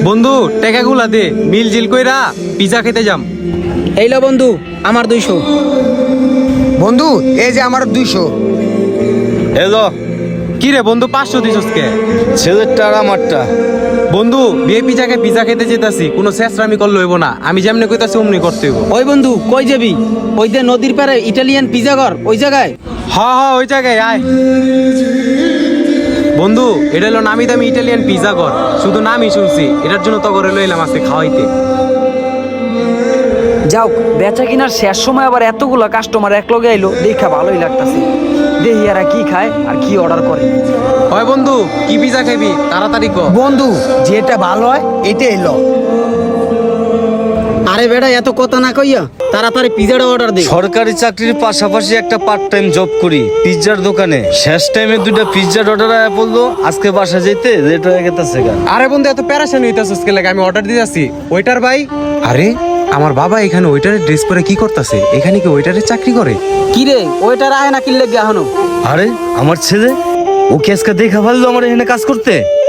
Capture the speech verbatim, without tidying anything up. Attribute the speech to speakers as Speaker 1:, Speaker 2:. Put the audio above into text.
Speaker 1: বন্ধু টাকাগুলা দে, মিল জিল কইরা পিজা খেতে যাম।
Speaker 2: এই লো বন্ধু, আমার দুইশো।
Speaker 3: বন্ধু এই যে আমার দুইশো।
Speaker 4: এলো
Speaker 1: কি রে বন্ধু, পাঁচশো দিছস কে?
Speaker 4: ছেলেরটা আর আমারটা।
Speaker 1: বন্ধু বিয়ে পিজাকে পিজা খেতে যেতাছি, কোনো শেষরামি করলে হইব না। আমি যেমনি কইতাছি অমনি করতে হইব।
Speaker 2: ওই বন্ধু কই যাবি? ওই যে নদীর পারে ইটালিয়ান পিজা ঘর, ওই জায়গায়।
Speaker 1: হ হ ওই জায়গায় আয়। বন্ধু এটা হলো নামি দামি ইটালিয়ান পিজা ঘর, শুধু নামই শুনছি, এটার জন্য তো করে লইলাম আজকে খাওয়াইতে।
Speaker 5: যাও, বেচা কিনার শেষ সময় আবার এতগুলা কাস্টমার এক লগে আইলো, দেখা ভালোই লাগতাছে। দেখি এরা কি খায় আর কি অর্ডার করে।
Speaker 1: হয় বন্ধু, কি পিজা খাবি তাড়াতাড়ি ক।
Speaker 3: বন্ধু যেটা ভালো হয় এটা এলো।
Speaker 2: আরে বেটা এত কথা না কইয়া তাড়াতাড়ি পিজাটা অর্ডার দে।
Speaker 4: সরকারি চাকরির পাশাপাশি একটা পার্ট টাইম জব করি পিৎজার দোকানে। শেষ টাইমে দুইটা পিৎজার অর্ডার আয়া পড়লো, আজকে বাসা যেতে লেট হয়ে গেছে গা।
Speaker 1: আরে বন্ধু এত প্যারাশান হইতাছস কে লাগে? আমি অর্ডার দিতেছি। ওয়েটার ভাই। আরে আমার বাবা এখানে ওয়েটারের ড্রেস পরে কি করতেছে? এখানে কি ওয়েটারের চাকরি করে?
Speaker 2: কি রে ওইটার আয় না কিনলে গিয়া হনো?
Speaker 4: আরে আমার ছেলে, ও কি আজকে দেখা ভালো আমার এখানে কাজ করতে?